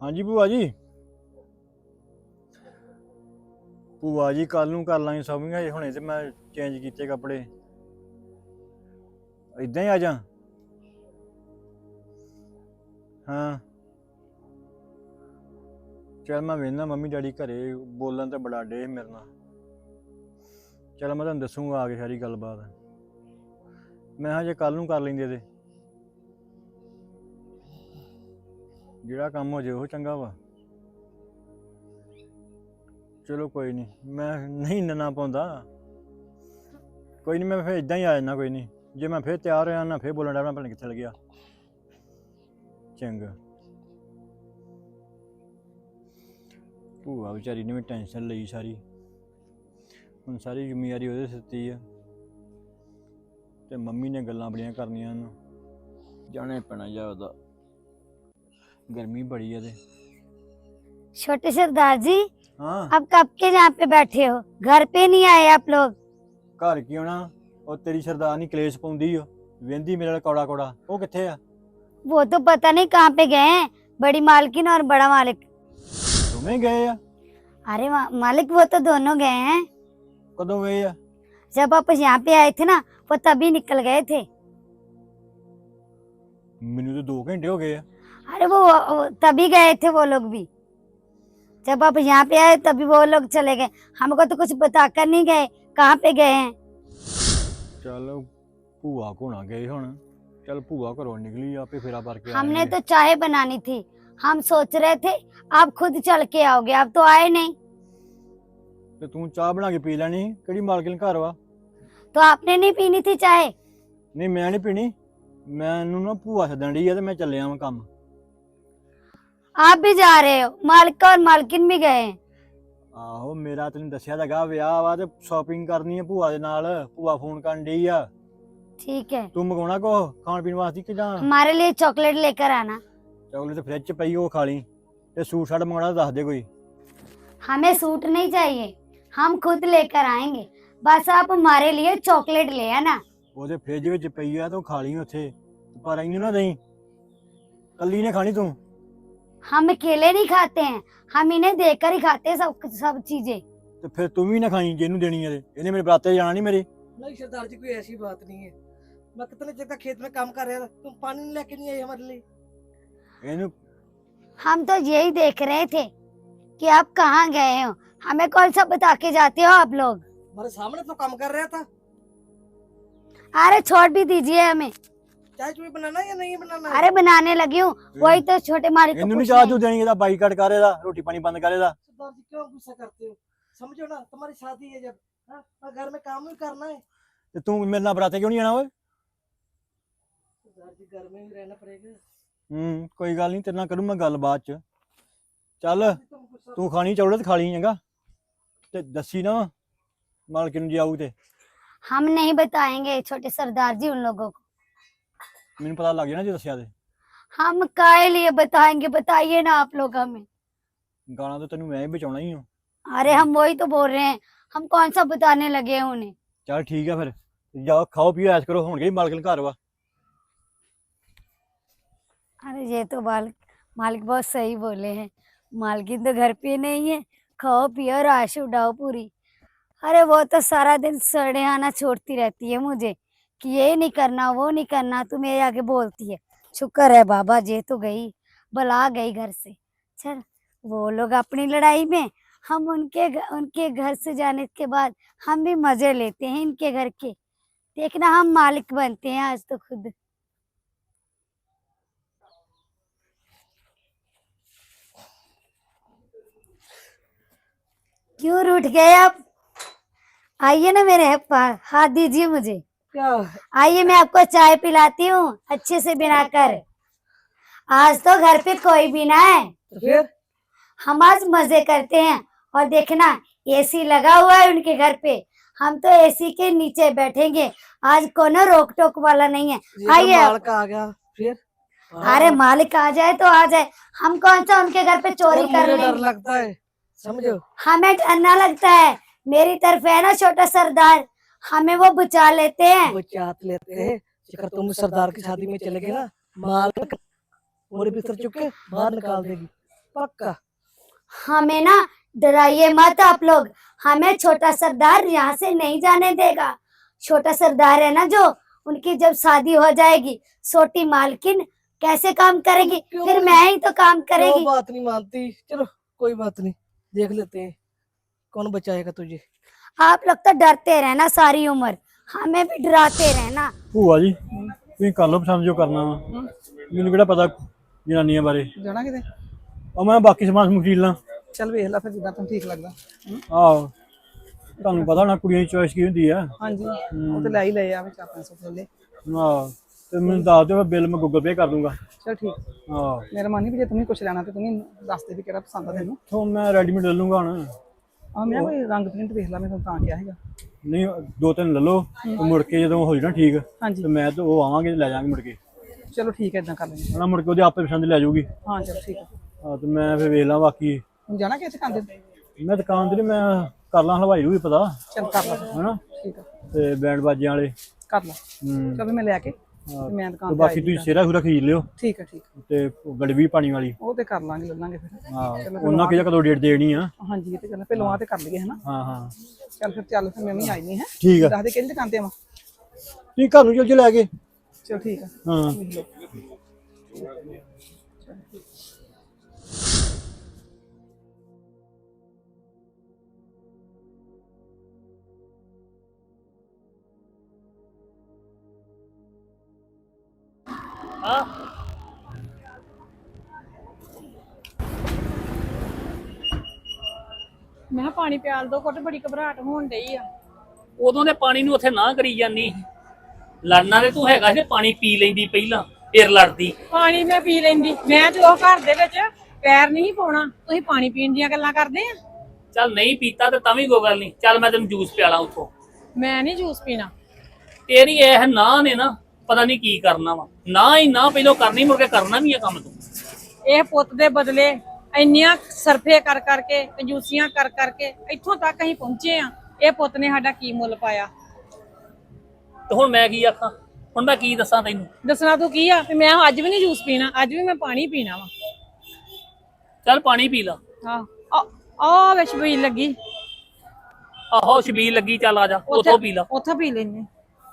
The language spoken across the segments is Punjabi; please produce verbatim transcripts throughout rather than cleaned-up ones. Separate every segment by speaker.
Speaker 1: हाँ जी भूआ जी। ਭੂਆ ਜੀ ਕੱਲ ਨੂੰ ਕਰ ਲਾਂਗੇ ਸ਼ਾਪਿੰਗ। ਹਜੇ ਹੁਣੇ ਤੇ ਮੈਂ ਚੇਂਜ ਕੀਤੇ ਕੱਪੜੇ। ਇਦਾਂ ਹੀ ਆ ਜਾ। ਹਾਂ ਚੱਲ ਮੈਂ ਵੇਖਣਾ ਮੰਮੀ ਡੈਡੀ ਘਰੇ ਬੋਲਣ ਤੇ ਬੜਾ ਡੇ ਮੇਰੇ ਨਾਲ। ਚਲ ਮੈਂ ਤੁਹਾਨੂੰ ਦੱਸੂਗਾ ਆ ਕੇ ਸਾਰੀ ਗੱਲਬਾਤ। ਮੈਂ ਹਜੇ ਕੱਲ ਨੂੰ ਕਰ ਲੈਂਦੇ ਤੇ ਜਿਹੜਾ ਕੰਮ ਹੋ ਜੇ ਉਹ ਚੰਗਾ ਵਾ। ਚਲੋ ਕੋਈ ਨਹੀਂ, ਮੈਂ ਨਹੀਂ ਇੰਨਾ ਪਾਉਂਦਾ। ਕੋਈ ਨਹੀਂ, ਮੈਂ ਫਿਰ ਇਦਾਂ ਹੀ ਆ ਜਾਣਾ। ਕੋਈ ਨਹੀਂ, ਜੇ ਮੈਂ ਫਿਰ ਤਿਆਰ ਹੋਇਆ ਨਾ ਫਿਰ ਬੋਲਣ ਡਿਆ ਮੈਂ ਪਤਾ ਨਹੀਂ ਕਿੱਥੇ ਲੱਗਿਆ। ਚੰਗਾ। ਭੂਆ ਵਿਚਾਰੀ ਨੇ ਵੀ ਟੈਨਸ਼ਨ ਲਈ ਸਾਰੀ। ਹੁਣ ਸਾਰੀ ਜ਼ਿੰਮੇਵਾਰੀ ਉਹਦੇ ਸਿਰ ਤੇ ਆ ਤੇ ਮੰਮੀ ਨੇ ਗੱਲਾਂ ਬੜੀਆਂ ਕਰਨੀਆਂ ਉਹਨੂੰ ਜਾਣਾ ਪੈਣਾ ਜਾ। ਉਹਦਾ गर्मी बड़ी है।
Speaker 2: छोटे सरदार जी,
Speaker 1: हाँ
Speaker 2: अब कब के यहाँ पे बैठे हो? घर पे नहीं आए आप लोग?
Speaker 1: घर की होना और तेरी सरदारनी कलेश पाउंदी हो वेंदी मेरे कौड़ा कौड़ा वो किथे है?
Speaker 2: वो तो पता नहीं कहाँ पे गए हैं, बड़ी मालकिन और बड़ा मालिक।
Speaker 1: तुम्हें गए या?
Speaker 2: अरे मा, मालिक वो तो दोनों गए हैं।
Speaker 1: कदों गए या?
Speaker 2: जब आप यहाँ पे आए थे ना वो तभी निकल गए थे।
Speaker 1: मैनू तो दो घंटे हो गए।
Speaker 2: अरे वो, वो तभी गए थे वो लोग भी। जब आप यहाँ पे आए तभी वो लोग चले गए। हमको तो कुछ बताकर नहीं गए कहाँ पे गए हैं।
Speaker 1: चल भूआ को ना गए हुण। चल भूआ घरों निकली आपे फेरा भर के।
Speaker 2: हमने तो चाय बनानी थी, हम सोच रहे थे आप खुद चल के आओगे, आप तो आए नहीं।
Speaker 1: ते तू चाह बना के पी लेनी। केड़ी मालकिन घर वा?
Speaker 2: तो आपने नहीं पीनी थी चाय?
Speaker 1: नहीं मैं नहीं पीनी। मैनू ना भूआ सदन डी है ते मैं चलिया वां काम।
Speaker 2: आप भी जा रहे हो? मालिक और मालकिन भी गए हैं।
Speaker 1: आहो मेरा तैनूं दस्सिया तां गा विआह वा ते शॉपिंग करनी है भूआ दे नाल। भूआ फोन करन डई आ।
Speaker 2: ठीक है,
Speaker 1: तू मंगाउणा को खाण पीण वास्ते कि जां?
Speaker 2: हमारे लिए चॉकलेट लेकर आना।
Speaker 1: चॉकलेट फ्रिज च पई ओ खा ली ते सूट साट मंगाउणा दस दे कोई।
Speaker 2: हमें सूट नहीं चाहिए, हम खुद लेकर आएंगे, बस आप हमारे लिए चॉकलेट ले आना।
Speaker 1: ਉਹਦੇ ਫ੍ਰਿਜ ਵਿੱਚ ਪਈ ਆ ਤੂੰ ਖਾ ਲਈ ਉੱਥੇ, ਪਰ ਇਹਨੂੰ ਨਾ ਦੇਈ। ਕੱਲੀ ਨੇ ਖਾਣੀ ਤੂੰ।
Speaker 2: हम अकेले नहीं खाते हैं, हम इन्हें देकर ही खाते हैं सब सब चीजें।
Speaker 1: ਤੇ ਫਿਰ ਤੂੰ ਵੀ ਨਾ ਖਾਈ ਜਿਹਨੂੰ ਦੇਣੀ ਹੈ ਤੇ। ਇਹਨੇ ਮੇਰੇ ਬਰਾਤੇ जाना नहीं मेरे।
Speaker 3: नहीं सरदार जी, कोई ऐसी बात नहीं है। मैं कितने देर तक खेत में काम कर रहा था, तुम पानी नहीं लेके नहीं आई हमारे लिए।
Speaker 1: ਇਹਨੂੰ
Speaker 2: हम तो यही देख रहे थे कि आप कहाँ गए हो, हमें कौन सा बता के जाते हो आप लोग।
Speaker 3: हमारे सामने तो काम कर रहा था।
Speaker 2: अरे छोड़ भी दीजिए हमें।
Speaker 3: चाय चुई बनाना है या नहीं बनाना है?
Speaker 2: अरे बनाने लगी हूँ, वही तो छोटे मालिक को
Speaker 1: ਇਹਨੂੰ ਨਹੀਂ
Speaker 2: पूछना
Speaker 1: ਚਾਹ
Speaker 2: है।
Speaker 1: ਚੂ ਦੇਣੀ। ਇਹਦਾ ਬਾਈਕਾਟ ਕਰ, ਇਹਦਾ ਰੋਟੀ ਪਾਣੀ ਬੰਦ कर ਇਹਦਾ।
Speaker 3: सरदार जी क्यों गुस्सा करते हो? समझो ना, तुम्हारी शादी है जब, हाँ, और घर में काम भी करना है।
Speaker 1: ਤੇ ਤੂੰ ਮੇਰੇ ਨਾਲ ਬਰਾਤੇ ਕਿਉਂ ਨਹੀਂ ਆਣਾ ਓਏ?
Speaker 3: सरदार जी घर में भी रहना पड़ेगा।
Speaker 1: ਹੂੰ ਕੋਈ ਗੱਲ ਨਹੀਂ, ਤੇਰੇ ਨਾਲ ਕਰੂੰ ਮੈਂ ਗੱਲ ਬਾਅਦ ਚ। ਚੱਲ
Speaker 3: तुम गुस्सा
Speaker 1: ਤੂੰ ਖਾਣੀ ਚੌੜਤ ਖਾ ਲਈ ਚੰਗਾ ਤੇ ਦੱਸੀ ਨਾ ਮਾਲਕਿਨ ਨੂੰ ਜੇ ਆਊ ਤੇ।
Speaker 2: हम नहीं बताएंगे छोटे सरदार जी उन लोगों को।
Speaker 1: ਮੈਨੂੰ ਪਤਾ ਲੱਗ ਜਾਣਾ ਜੇ ਦੱਸਿਆ ਤੇ।
Speaker 2: हम काहे लिए बताएंगे, बताइए ना आप लोग हमें।
Speaker 1: ਗਾਣਾ ਤਾਂ ਤੈਨੂੰ ਮੈਂ ਹੀ ਬਚਾਉਣਾ ਹੀ ਹਾਂ।
Speaker 2: अरे हम वही तो बोल रहे हैं, हम कौन सा बताने लगे हैं उन्हें।
Speaker 1: ਚੱਲ ਠੀਕ ਆ ਫਿਰ ਜਾਓ ਖਾਓ ਪੀਓ ਐਸ਼ ਕਰੋ। ਹੁਣ ਕਿਹੜੀ ਮਾਲਕਿਨ ਘਰ ਵਾ।
Speaker 2: अरे ये तो मालिक मालिक बहुत सही बोले हैं, मालकिन तो घर पे नहीं है, खाओ पियो राश उड़ाओ पूरी। अरे वो तो सारा दिन सड़े आना छोड़ती रहती है मुझे कि ये नहीं करना वो नहीं करना, तू मेरे आगे बोलती है। शुक्र है बाबा जे तो गई, बुला गई घर से। चल वो लोग अपनी लड़ाई में, हम उनके घ- उनके घर से जाने के बाद हम भी मजे लेते हैं इनके घर के। देखना हम मालिक बनते हैं आज तो खुद। क्यों रूठ गए आप? आइए ना मेरे पास, हाथ दीजिए मुझे।
Speaker 3: क्या?
Speaker 2: आइए मैं आपको चाय पिलाती हूँ अच्छे से बनाकर। आज तो घर पे कोई भी ना है,
Speaker 3: तो फिर
Speaker 2: हम आज मजे करते हैं। और देखना एसी लगा हुआ है उनके घर पे, हम तो एसी के नीचे बैठेंगे। आज कोनो रोक टोक वाला नहीं है।
Speaker 3: ये तो
Speaker 2: आइए।
Speaker 3: मालिक आ गया। फिर
Speaker 2: अरे मालिक आ जाए तो आ जाए, हम कौन सा उनके घर पे चोरी
Speaker 3: और
Speaker 2: कर
Speaker 3: मुझे डर
Speaker 2: लेंगे।
Speaker 3: लगता है, समझो।
Speaker 2: हमें डरना लगता है, मेरी तरफ है ना छोटा सरदार, हमें वो बचा लेते हैं।
Speaker 3: वो चाहत लेते हैं अगर तुम सरदार की शादी में चले गए ना, मालिक पूरे बिस्तर चुप के बाहर निकाल देगी। पक्का।
Speaker 2: हमें ना डराइए मत आप लोग, हमें छोटा सरदार यहाँ से नहीं जाने देगा। छोटा सरदार है ना जो, उनकी जब शादी हो जाएगी छोटी मालकिन कैसे काम करेगी,
Speaker 3: क्यों?
Speaker 2: फिर मैं ही तो काम
Speaker 3: क्यों
Speaker 2: करेगी।
Speaker 3: बात नहीं मानती? चलो कोई बात नहीं, देख लेते हैं कौन बचाएगा तुझे।
Speaker 2: आप लोग तो डरते रहना सारी उम्र, हमें भी डराते रहना।
Speaker 1: ਭੂਆ ਜੀ ਤੁਸੀਂ ਕਰ ਲਓ ਪਸੰਦ ਜੋ ਕਰਨਾ ਵਾ, ਮੈਨੂੰ ਕਿਹੜਾ ਪਤਾ ਜਨਾਨੀਆਂ ਬਾਰੇ।
Speaker 3: ਜਾਣਾ ਕਿਤੇ?
Speaker 1: ਉਹ ਮੈਂ ਬਾਕੀ ਸਮਾਨ ਸਮੂਨ ਖਰੀਦ ਲਾਂ।
Speaker 3: ਚੱਲ ਵੇਖ ਲੈ ਫਿਰ ਜਿੱਦਾਂ ਤੈਨੂੰ ਠੀਕ ਲੱਗਦਾ।
Speaker 1: ਆਹੋ ਤੁਹਾਨੂੰ ਪਤਾ ਹੋਣਾ ਕੁੜੀਆਂ ਦੀ ਚੋਇਸ ਕੀ ਹੁੰਦੀ ਆ।
Speaker 3: ਹਾਂਜੀ ਉਹ ਤੇ ਲੈ ਹੀ ਲਏ ਆ, ਵਿੱਚ ਆਪਣੇ ਸੋਚ ਲੈ।
Speaker 1: ਆਹ ਤੇ ਮੈਨੂੰ ਦੱਸ ਦਿਓ, ਬਿੱਲ ਮੈਂ ਗੂਗਲ ਪੇ ਕਰ ਦੂੰਗਾ।
Speaker 3: ਚਲ ਠੀਕ।
Speaker 1: ਆਹ
Speaker 3: ਮੇਰਾ ਮਨ ਨਹੀਂ ਵੀ ਜੇ ਤੂੰ ਵੀ ਕੁਛ ਲੈਣਾ ਤੇ ਤੂੰ ਵੀ ਦੱਸ ਦੇ ਵੀ ਕਿਹੜਾ ਪਸੰਦ ਆ ਤੈਨੂੰ।
Speaker 1: ਤੋਂ ਮੈਂ ਰੈਡੀਮੇਡ ਲੈ ਲੂੰਗਾ ਹੁਣ।
Speaker 3: ਆ ਮੈਂ ਕੋਈ ਰੰਗ ਪ੍ਰਿੰਟ ਵੇਖ ਲਾ, ਮੈਂ ਤੁਹਾਨੂੰ ਤਾਂ ਕਿਹਾ ਹੈਗਾ।
Speaker 1: ਨਹੀਂ ਦੋ ਤਿੰਨ ਲੈ ਲਓ ਤੇ ਮੁੜ ਕੇ ਜਦੋਂ ਹੋ ਜਾਣਾ ਠੀਕ
Speaker 3: ਹਾਂਜੀ
Speaker 1: ਤੇ ਮੈਂ ਤੇ ਉਹ ਆਵਾਂਗੇ ਤੇ ਲੈ ਜਾਵਾਂਗੇ ਮੁੜ ਕੇ।
Speaker 3: ਚਲੋ ਠੀਕ ਹੈ, ਇਦਾਂ ਕਰ ਲੈਂਦੇ
Speaker 1: ਹਣਾ ਮੁੜ ਕੇ ਉਹਦੇ ਆਪੇ ਪਸੰਦ ਲੈ ਜਾਊਗੀ।
Speaker 3: ਹਾਂ। ਚਲ ਠੀਕ ਹੈ।
Speaker 1: ਹਾਂ ਤੇ ਮੈਂ ਫਿਰ ਵੇਖ ਲਾਂ ਬਾਕੀ।
Speaker 3: ਹੁਣ ਜਾਣਾ ਕਿੱਥੇ ਖਾਂਦੇ?
Speaker 1: ਮੈਂ ਦੁਕਾਨ ਤੇ ਨੀ, ਮੈਂ ਕਰ ਲਾਂ ਹਲਵਾਈ ਨੂੰ ਵੀ ਪਤਾ
Speaker 3: ਚਲ ਕਰ ਲਾ।
Speaker 1: ਹਨਾ,
Speaker 3: ਠੀਕ ਆ,
Speaker 1: ਤੇ ਬੈਂਡ ਬਾਜਿਆਂ ਵਾਲੇ
Speaker 3: ਕਰ ਲਾ।
Speaker 1: ਹੂੰ
Speaker 3: ਚਲ ਮੈਂ ਲੈ ਕੇ
Speaker 1: ਹਾਂ,
Speaker 3: ਤੇ ਮੈਂ
Speaker 1: ਤੇ
Speaker 3: ਦੁਕਾਨ ਤੇ
Speaker 1: ਬਾਕੀ ਤੁਸੀਂ ਸਿਹਰਾ ਸੁਰਾ ਖਰੀਦ ਲਿਓ
Speaker 3: ਠੀਕ ਹੈ। ਠੀਕ
Speaker 1: ਤੇ ਗੜਵੀ ਪਾਣੀ ਵਾਲੀ।
Speaker 3: ਉਹ ਤੇ ਕਰ ਲਾਂਗੇ, ਲੈ ਲਾਂਗੇ ਫਿਰ।
Speaker 1: ਹਾਂ ਉਹਨਾਂ ਕਿਹਦਾ ਕਦੋਂ ਡੇਟ ਦੇਣੀ ਆ।
Speaker 3: ਹਾਂਜੀ ਇਹ ਤੇ ਗੱਲ ਪਹਿਲਾਂ ਆ ਤੇ ਕਰ ਲਈਏ ਹਨਾ।
Speaker 1: ਹਾਂ ਹਾਂ
Speaker 3: ਚੱਲ ਫਿਰ ਚੱਲ ਫਿਰ ਮੈਂ ਵੀ ਆਈ ਨਹੀਂ ਹੈ।
Speaker 1: ਠੀਕ ਆ,
Speaker 3: ਦੱਸ ਦੇ ਕਿਹੜੀ ਦੁਕਾਨ ਤੇ ਆਵਾਂ?
Speaker 1: ਤੁਸੀਂ ਘਰ ਨੂੰ ਚੱਲ ਜੇ ਲੈ ਕੇ।
Speaker 3: ਚਲ ਠੀਕ ਆ।
Speaker 1: ਹਾਂ
Speaker 3: ਵੇਖ ਲਓ।
Speaker 4: ਮੈਂ ਕਿਹਾ ਪਾਣੀ ਪਿਆਲ ਦੋ ਘੁੱਟ, ਬੜੀ ਘਬਰਾਹਟ ਹੋਣ ਡਈ ਆ।
Speaker 5: ਉਦੋਂ ਦੇ ਪਾਣੀ ਨੂੰ ਉੱਥੇ ਨਾ ਕਰੀ ਜਾਂਦੀ, ਲੜਨਾ ਤੇ ਤੂੰ ਹੈਗਾ ਸੀ, ਪਾਣੀ ਪੀ ਲੈਂਦੀ ਪਹਿਲਾਂ ਫਿਰ ਲੜਦੀ।
Speaker 4: ਪਾਣੀ ਮੈਂ ਪੀ ਲੈਂਦੀ, ਮੈਂ ਜਦੋਂ ਘਰ ਦੇ ਵਿੱਚ ਪੈਰ ਨਹੀਂ ਪਾਉਣਾ, ਤੁਸੀਂ ਪਾਣੀ ਪੀਣ ਦੀਆਂ ਗੱਲਾਂ ਕਰਦੇ ਆ।
Speaker 5: ਚੱਲ ਨਹੀਂ ਪੀਤਾ ਤੇ ਤਾਂ ਵੀ ਕੋਈ ਗੱਲ ਨਹੀਂ, ਚੱਲ ਮੈਂ ਤੈਨੂੰ ਜੂਸ ਪਿਆਲਾਂ ਉੱਥੋਂ।
Speaker 4: ਮੈਂ ਨਹੀਂ ਜੂਸ ਪੀਣਾ।
Speaker 5: ਤੇਰੀ ਇਹ ਨਾ ਨੇ ਨਾ ਪਤਾ ਨਹੀਂ ਕੀ ਕਰਨਾ ਵਾ, ਨਾ ਹੀ ਨਾ ਪਹਿਲਾਂ ਕਰਨੀ, ਮੁੜ ਕੇ ਕਰਨਾ ਵੀ ਆ ਕੰਮ ਤੂੰ।
Speaker 4: ਇਹ ਪੁੱਤ ਦੇ ਬਦਲੇ ਇੰਨੀਆਂ ਸਰਫੇ ਕਰ ਕਰਕੇ, ਕੰਜੂਸੀਆਂ ਕਰ ਕਰਕੇ ਇੱਥੋਂ ਤੱਕ ਅਸੀਂ ਪਹੁੰਚੇ ਆ। ਇਹ ਪੁੱਤ ਨੇ ਸਾਡਾ ਕੀ ਮੁੱਲ ਪਾਇਆ।
Speaker 5: ਤੇ ਹੁਣ ਮੈਂ ਕੀ ਆਖਾਂ, ਹੁਣ ਮੈਂ ਕੀ ਦੱਸਾਂ ਤੈਨੂੰ?
Speaker 4: ਦੱਸਣਾ ਤੂੰ ਕੀ ਆ ਵੀ ਮੈਂ ਅੱਜ ਵੀ ਨਹੀਂ ਜੂਸ ਪੀਣਾ, ਅੱਜ ਵੀ ਮੈਂ ਪਾਣੀ ਪੀਣਾ ਵਾ।
Speaker 5: ਚੱਲ ਪਾਣੀ ਪੀ ਲਾ।
Speaker 4: ਹਾਂ ਆ ਵੇ ਛਬੀਲ ਲੱਗੀ,
Speaker 5: ਆਹੋ ਛਬੀਲ ਲੱਗੀ, ਚੱਲ ਆ ਜਾ ਉੱਥੋਂ ਪੀ ਲਾ।
Speaker 4: ਉੱਥੋਂ ਪੀ ਲੈਨੇ।